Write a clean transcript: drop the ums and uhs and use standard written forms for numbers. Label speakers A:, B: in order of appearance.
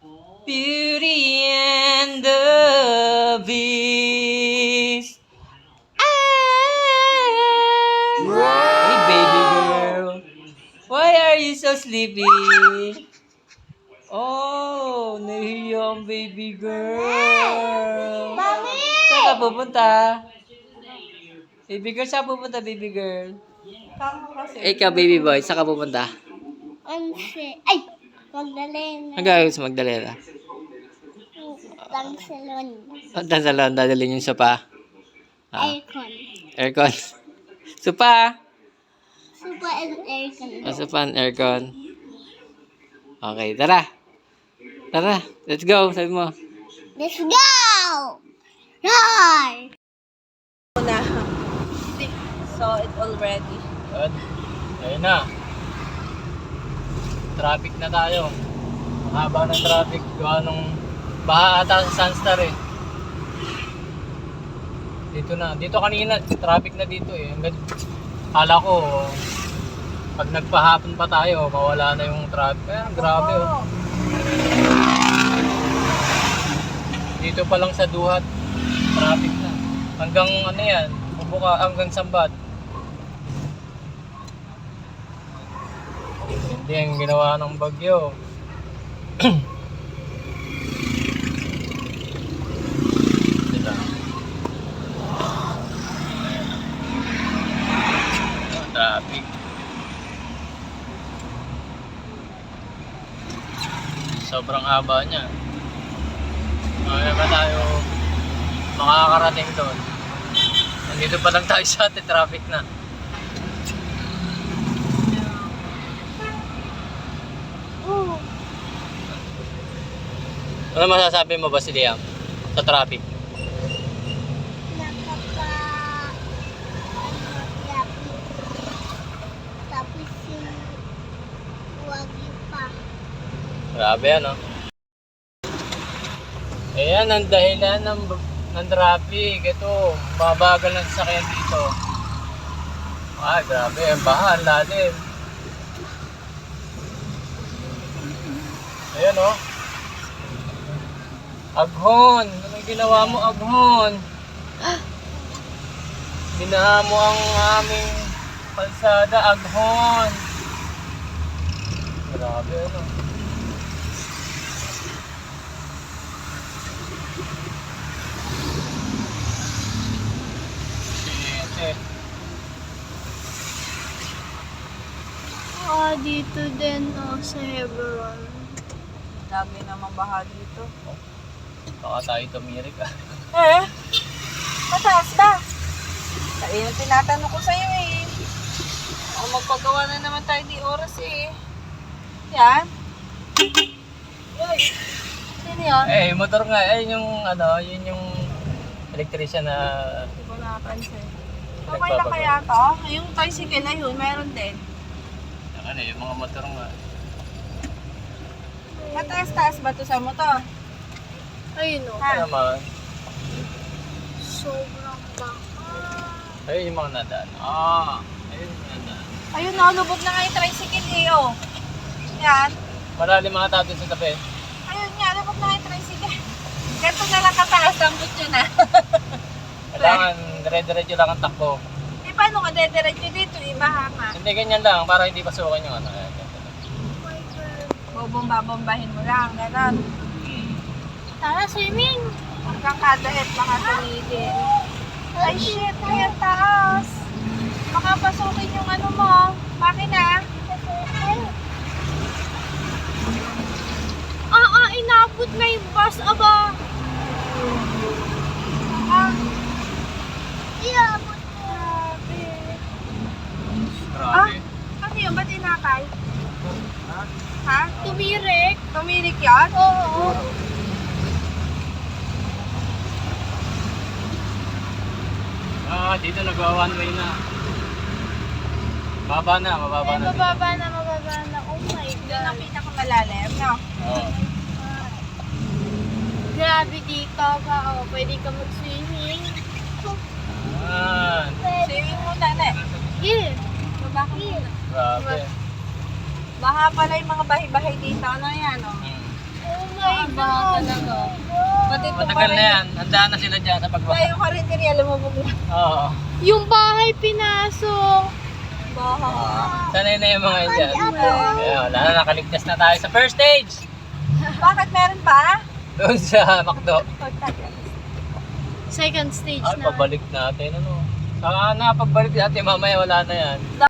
A: Beauty and the Beast. Hey, baby girl. Why are you so sleepy? Oh, nahiya ang baby girl.
B: Mami!
A: Saan ka pupunta? Baby girl, saan pupunta, baby girl? Ikaw, baby boy, saan ka pupunta?
B: Ay! Magdalena.
A: Ang gagawin sa Magdalena?
B: Lang salon.
A: Punta sa salon, dadalhin yung sopa.
B: Aircon.
A: Aircon. Sopa!
B: Super and aircon.
A: Sopa and aircon. Okay, tara. Tara, let's go, sabi mo.
B: Let's go! Roar!
C: So it already.
A: Good. Ayun na. Traffic na tayo. Haba ng traffic. Gawa nung baha ata sa Sunstar eh. Dito na. Dito kanina, traffic na dito eh. Hanggang, kala ko, pag nagpahapon pa tayo, mawala na yung traffic. Eh, grabe oh. Dito pa lang sa Duhat, traffic na. Hanggang ano yan, bubuka hanggang Sambat. Hindi ang ginawa ng bagyo. Diba? Traffic. Sobrang haba niya. Mamaya ba tayo makakarating doon? Nandito pa lang tayo sa atin, traffic na. Ano masasabi mo ba si Liam sa traffic?
B: Tapos yung wagi pa.
A: Grabe ano? Ayan ang dahilan ng traffic. Ito, babagal ng sasakyan dito. Ay, grabe. Ang baha, ang lalim. Ayan oh. Aghon! Anong ginawa mo, Aghon? Binaha mo ang aming kalsada, Aghon. Grabe ano. Shit.
B: Dito din sa Hebron.
C: Dami naman baha dito.
A: Baka tayo tumirik ah.
C: Mataas ba? Ayun ang tinatanong ko sa'yo eh. O magpagawa na naman tayo di oras eh. Yan. Uy. Sino yun?
A: Eh, motor nga. Eh, yung ano, yun yung electrician na
C: Hindi ko nakapansin. Okay lang kaya to? Yung tricycle na yun, meron din.
A: ano, yung mga motor nga.
C: Mataas-taas ba to sa motor?
B: Ayun o.
A: Ano naman?
B: Sobrang baka.
A: Ayun yung mga nadaan. Ah, ayun yung nadaan.
C: Ayun na, lubog na nga yung tricycle eh, oh. Yan.
A: Marali mga tao dun sa tabi.
C: Ayun nga, lubog na nga yung tricycle. Ganito na lang kataas ang butyo na.
A: Kailangan dire-diretso lang ang takbo.
C: Eh, paano ka dediretso dito? Ibaha nga.
A: Hindi ganyan lang, para hindi pasukan yung ano. Ayan, ganito lang.
C: Bobomba-bombahin mo lang, gano'n.
B: Tara, swimming!
C: Hanggang kada et baka tumigil. Ay shit, ay ang taas. Baka pasukin yung ano mo, makina.
B: Inabot na yung bus, aba! Inabot na.
A: Grabe.
C: Ano yun? Ba't inakay? Ha?
B: Tumirik.
C: Tumirik yan?
B: Oo.
A: Ah, dito nagawa one way na. Mababa na dito.
B: Mababa na. Oh my
C: Doon ang
B: God.
C: pinakamalalim, no?
A: Oo.
B: Grabe dito ka. Oh, pwede ka mag-swimming.
A: Ah,
C: Swimming muna, ne?
B: Yeah.
C: Baba ka muna.
A: grabe.
C: Baha pala yung mga bahay-bahay dito. Ano yan, oh?
A: Hmm.
B: Oh my
C: Baha
B: God.
C: talaga. Pati ito
A: Matagal na yan. Handaan na sila dyan sa pagbaha.
C: Yung karinderya, lumubog na.
A: Oo.
B: Yung bahay pinasok.
C: Baha.
A: Sanay na yung mga yan dyan. Kaya wala na, nakaligtas na tayo sa first stage.
C: Bakit meron pa?
A: Doon sa McDo.
B: Second stage
A: Ay,
B: na.
A: pabalik natin. Ano? Saka na, pagbalik natin mamaya wala na yan.